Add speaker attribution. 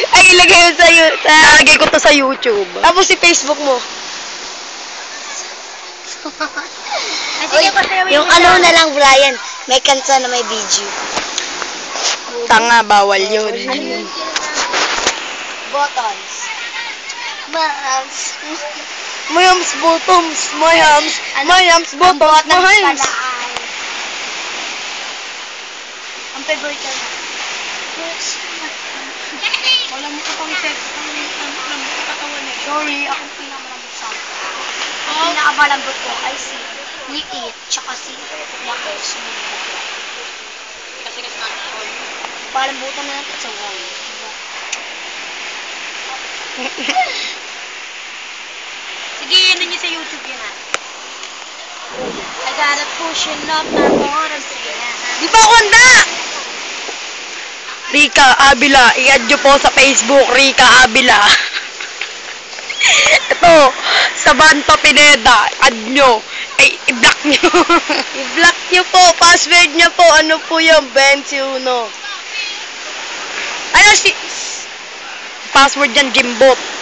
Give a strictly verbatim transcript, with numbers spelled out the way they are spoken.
Speaker 1: Ay, ilagay mo sa, sa...
Speaker 2: Nalagay ko to sa YouTube.
Speaker 1: Tapos si Facebook mo.
Speaker 3: Uy, yung ano na lang, Brian. May kanta na may video.
Speaker 2: Tanga, bawal yun.
Speaker 3: Ano yun? Buttons. Buttons.
Speaker 1: Mayams bottoms, mayams, mayams
Speaker 3: Ang
Speaker 1: bottoms,
Speaker 3: buttons
Speaker 1: mayams.
Speaker 3: pala ay... Ang favorite ko na.
Speaker 1: Wala mo ka pang sex, ang lambot ka katawan eh.
Speaker 3: Sorry, ako pinakamalambot sa akin. Ang pinakamalambot ko ay si Liit, tsaka si Lakos.
Speaker 1: Kasi kasi natin.
Speaker 3: Palambutan na natin sa wall.
Speaker 1: Sige, ano nyo sa YouTube yun ah.
Speaker 3: I gotta push it up my bottom. Sige na.
Speaker 1: Di ba ako handa?
Speaker 2: Rika Abila, i-add nyo po sa Facebook, Rika Abila. Ito, sa Banto Pineda, add nyo. Ay, i-block nyo.
Speaker 1: I-block nyo po, password nyo po. Ano po yung twenty-one? Ano si...
Speaker 2: Password yan, Jimbot.